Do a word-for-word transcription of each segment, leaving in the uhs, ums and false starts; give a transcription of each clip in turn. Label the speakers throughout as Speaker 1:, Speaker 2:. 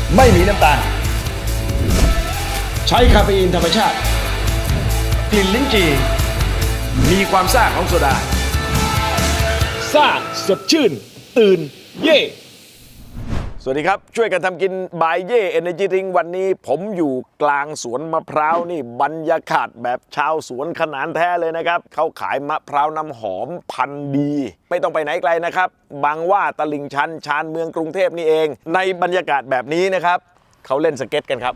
Speaker 1: ไม่มีน้ำตาลใช้คาเฟอีนธรรมชาติกลิ่นลิ้นจี่มีความซ่าของโซดาซ่าสดชื่นตื่นเย่สวัสดีครับช่วยกันทำกินบายเย่เอเนจีดริงวันนี้ผมอยู่กลางสวนมะพร้าวนี่บรรยากาศแบบชาวสวนขนานแท้เลยนะครับเขาขายมะพร้าวน้ำหอมพันธุ์ดีไม่ต้องไปไหนไกลนะครับบางว่าตลิ่งชันชานเมืองกรุงเทพนี่เองในบรรยากาศแบบนี้นะครับเขาเล่นสเก็ตกันครับ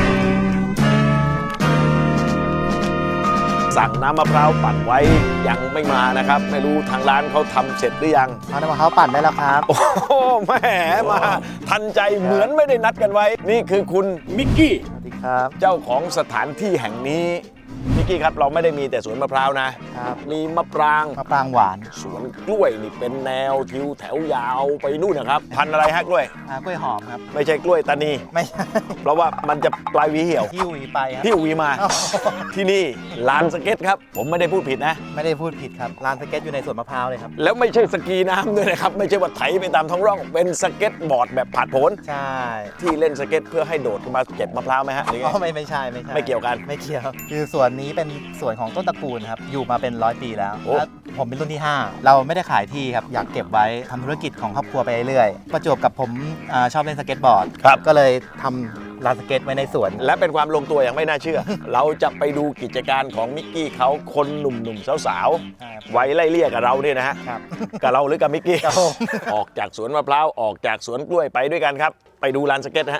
Speaker 1: สั่งน้ำมะพร้าวปั่นไว้ยังไม่มานะครับไม่รู้ทางร้านเขาทำเสร็จหรือยัง
Speaker 2: เอาน้ำมะพร้าวปั่นได้แล้วครับ
Speaker 1: โอ้แหมมาทันใจเหมือนไม่ได้นัดกันไว้นี่คือคุณมิกกี้
Speaker 2: สวัสดีครับ
Speaker 1: เจ้าของสถานที่แห่งนี้มิกกี้ครับเราไม่ได้มีแต่สวนมะพร้าวนะครับมีมะปราง
Speaker 2: มะปรางหวาน
Speaker 1: สวนกล้วยนี่เป็นแนวทิวแถวยาวไปนู่นนะครับพันอะไรฮะกล้วย
Speaker 2: อ่ากล้วยหอมครับ
Speaker 1: ไม่ใช่กล้วยตานี
Speaker 2: ไม่ใช่
Speaker 1: เพราะว่ามันจะปลายหวีเหี่ยว
Speaker 2: ที่หวีไปครับ
Speaker 1: ที่หวีมาที่นี่ลานสเก็ตครับผมไม่ได้พูดผิดนะ
Speaker 2: ไม่ได้พูดผิดครับลานสเก็ตอยู่ในสวนมะพร้าวเลยครับ
Speaker 1: แล้วไม่ใช่สกีน้ำด้วยนะครับไม่ใช่ว่าไถไปตามท้องร่องเป็นสเก็ตบอร์ดแบบผาดโผน
Speaker 2: ใช่
Speaker 1: ที่เล่นสเก็ตเพื่อให้โดดมาเก็บมะพร้าวไหมฮะ
Speaker 2: อ๋อไม่ไม่ใช่ไม่ใช่
Speaker 1: ไม่เกี่ยวกัน
Speaker 2: ไม่เกี่ยวคือสวนนี้เป็นสวนของต้นตระกูลครับอยู่มาเป็นร้อยปีแล้วแล้วผมเป็นรุ่นที่ห้าเราไม่ได้ขายที่ครับอยากเก็บไว้ทำธุรกิจของครอบครัวไปเรื่อยๆประจวบกับผมชอบเล่นสเก็ตบอร์ดก็เลยทำลานสเก็ตไว้ในสวน
Speaker 1: และเป็นความลงตัวอย่างไม่น่าเชื่อ เราจะไปดูกิจการของมิกกี้เขาคนหนุ่มๆสาวๆไว้ไล่เลี่ยกับเราเนี่ยนะฮะกับเราหรือกับมิกกี้ออกจากสวนมะพร้าวออกจากสวนกล้วยไปด้วยกันครับไปดูลานสเก็ตนะฮะ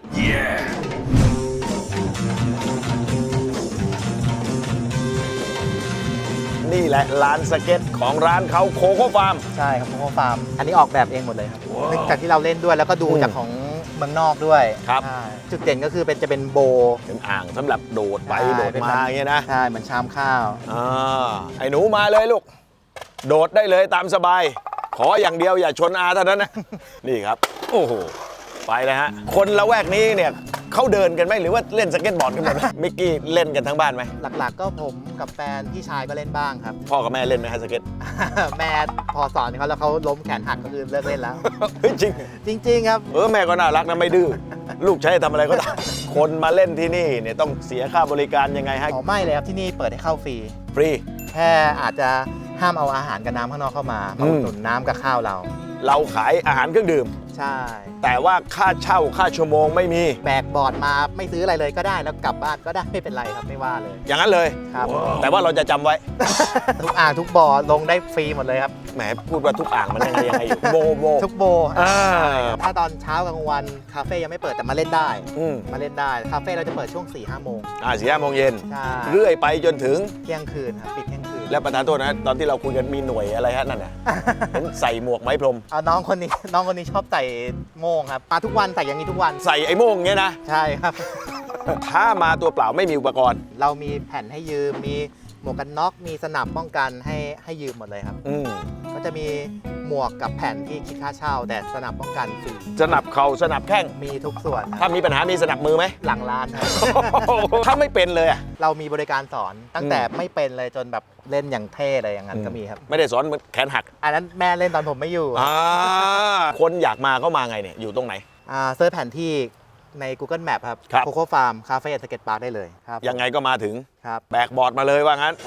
Speaker 1: นี่แหละลานสเก็ตของร้านเขาโคโค่ฟาร์ม
Speaker 2: ใช่ครับโคโค่ฟาร์มอันนี้ออกแบบเองหมดเลยครับเนื่องจากที่เราเล่นด้วยแล้วก็ดูจากของเมืองนอกด้วย
Speaker 1: ครับ
Speaker 2: จุดเด่นก็คือเป็นจะเป็นโบ
Speaker 1: เป็นอ่างสำหรับโดดไปโดดมาอย่างเงี้ยนะ
Speaker 2: ใช่เหมือนชามข้าว
Speaker 1: อ่าไอ้หนูมาเลยลูกโดดได้เลยตามสบายขออย่างเดียวอย่าชนอาเท่านั้นนะนี่ครับโอ้โหไปเลยฮะคนละแวกนี้เนี่ยเขาเดินกันไหมหรือว่าเล่นสเก็ตบอร์ดกันหมดมิกกี้เล่นกันทั้งบ้านไหม
Speaker 2: หลักๆก็ผมกับแฟนพี่ชายก็เล่นบ้างครับ
Speaker 1: พ่อกับแม่เล่นไหมฮะสเก็ต
Speaker 2: แม่พอสอนเขาแล้วเขาล้มแขนหักก็คือเลิกเล่นแล้ว
Speaker 1: จริง
Speaker 2: จริงๆครับ
Speaker 1: เออแม่ก็น่ารักนะไม่ดื้อลูกใช้ทำอะไรก็ได้คนมาเล่นที่นี่เนี่ยต้องเสียค่าบริการยังไงฮะ
Speaker 2: อ๋อไม่เลยครับที่นี่เปิดให้เข้าฟรี
Speaker 1: ฟรี
Speaker 2: แค่อาจจะห้ามเอาอาหารกับน้ำข้างนอกเข้ามามาอุดหนุนน้ำกับข้าวเรา
Speaker 1: เราขายอาหารเครื่องดื่ม
Speaker 2: ใช่
Speaker 1: แต่ว่าค่าเช่าค่าชั่วโมงไม่มี
Speaker 2: แบกบอร์ดมาไม่ซื้ออะไรเลยก็ได้แล้วกลับบ้านก็ได้ไม่เป็นไรครับไม่ว่าเลย
Speaker 1: อย่างนั้นเลย
Speaker 2: ครับ
Speaker 1: แต่ว่าเราจะจำไว้
Speaker 2: ทุกอ่างทุกบ่อลงได้ฟรีหมดเลยครับ
Speaker 1: แหมพูดว่าทุกอ่างมันยังไงยังไงอยู่โบโบ
Speaker 2: ทุกโบถ้าตอนเช้ากลางวันคาเฟ่ยังไม่เปิดแต่มาเล่นได้มาเล่นได้คาเฟ่เราจะเปิดช่วงสี่ห้าโมง
Speaker 1: อ่าสี่ห้าโมงเย็น
Speaker 2: ใช่
Speaker 1: เรื่อยไปจนถึง
Speaker 2: เที่ยงคืนครับปิดเที่ยงคืน
Speaker 1: แล้วประธานโทษนะตอนที่เราคุยกันมีหน่วยอะไรฮะนั่นน่ะใส่หมวกไม้พรม
Speaker 2: เอาน้องคนนี้น้องคนนี้ชอบใส่โม่งครับมาทุกวันใส่อย่างนี้ทุกวัน
Speaker 1: ใส่ไอ้โม่งเงี้ยนะ
Speaker 2: ใช่ครับ
Speaker 1: ถ้ามาตัวเปล่าไม่มีอุปกรณ์
Speaker 2: เรามีแผ่นให้ยืมมีหมวกกันน็อกมีสนับป้องกันให้ให้ยืมหมดเลยครับ
Speaker 1: อืม
Speaker 2: ก็จะมีหมวกกับแผ่นที่คิดค่าเช่าแต่สนับป้องกันฟรี
Speaker 1: สนับเข่าสนับแข้ง
Speaker 2: มีทุกส่วน
Speaker 1: ถ้ามีปัญหามีสนับมือไหม
Speaker 2: หลังร้านครับ
Speaker 1: ถ้าไม่เป็นเลยอ่ะ
Speaker 2: เรามีบริการสอนตั้งแต่ไม่เป็นเลยจนแบบเล่นอย่างเท่เลยอย่างนั้นก็มีครับ
Speaker 1: ไม่ได้สอนแขนหัก
Speaker 2: อันนั้นแม่เล่นตอนผมไม่อยู่
Speaker 1: อ่าคนอยากมาเข้ามาไงเนี่ยอยู่ตรงไหน
Speaker 2: อ่าเซิร์ชแผนที่ใน Google Map ครับโคโค่ฟาร์มคาเฟ่สเก็ตพาร์คได้เลยครับ
Speaker 1: ยังไงก็มาถึง
Speaker 2: ครับ
Speaker 1: แบกบอร์ดมาเลยว่างั้น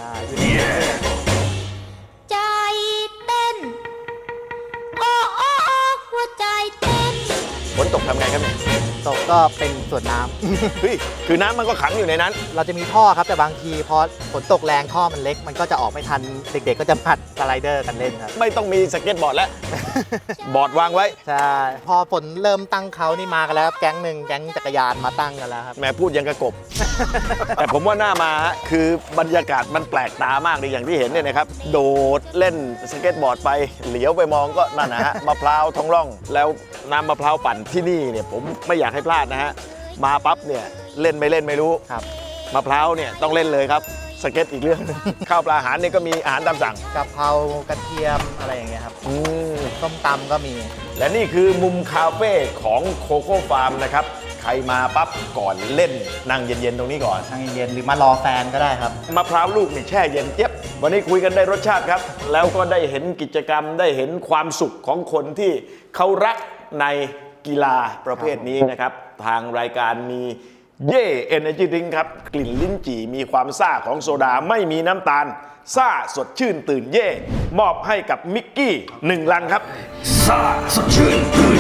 Speaker 3: ใจเต้นโอ้โอ้โอ้หัวใจเต้น
Speaker 1: ฝนตกทำไงครับเนี่ย
Speaker 2: ตกก็เป็นส่วนน้
Speaker 1: ำเฮ้ยคือน้ำมันก็ขังอยู่ในนั้น
Speaker 2: เราจะมีท่อครับแต่บางทีพอฝนตกแรงท่อมันเล็กมันก็จะออกไม่ทันเด็กๆก็จะผัดสไลเดอร์กันเล่นครับ
Speaker 1: ไม่ต้องมีสเก็ตบอร์ดแล้วบอร์ดวางไว้
Speaker 2: ใช่พอฝนเริ่มตั้งเขานี่มากันแล้วแก๊งหนึ่งแก๊งจักรยานมาตั้งกันแล้วครับ
Speaker 1: แม่พูดยังกระกบ แต่ผมว่าหน้ามาคือบรรยากาศมันแปลกตามากเลยอย่างที่เห็นเนี่ยนะครับโดดเล่นสเก็ตบอร์ดไปเหลียวไปมองก็นั่นนะฮะมะพร้าวท้องร่องแล้วน้ำมะพร้าวปั่นที่นี่เนี่ยผมไม่อยากให้พลาดนะฮะมาปั๊บเนี่ยเล่นไม่เล่นไม่รู้
Speaker 2: ครับ
Speaker 1: มะพร้าวเนี่ยต้องเล่นเลยครับสเก็ตอีกเรื่องข้าวปลาอาหารเนี่ยก็มีอาหารตามสั่ง
Speaker 2: กะเพรากระเทียมอะไรอย่างเงี้ยครับส้มตำก็มี
Speaker 1: และนี่คือมุมคาเฟ่ของโคโค่ฟาร์มนะครับใครมาปั๊บก่อนเล่นนั่งเย็นๆตรงนี้ก่อน
Speaker 2: นั่งเย็นๆหรือมารอแฟนก็ได้ครับ
Speaker 1: มะพร้าวลูกนี่แช่เย็นเจี๊ยบวันนี้คุยกันได้รสชาติครับแล้วก็ได้เห็นกิจกรรมได้เห็นความสุขของคนที่เขารักในกีฬาประเภทนี้นะครับทางรายการมีเย่เอเนจีดริงครับกลิ่นลิ้นจี่มีความซ่าของโซดาไม่มีน้ำตาลซ่าสดชื่นตื่นเย่มอบให้กับมิกกี้หนึ่งลังครับซ่าสดชื่นตื่น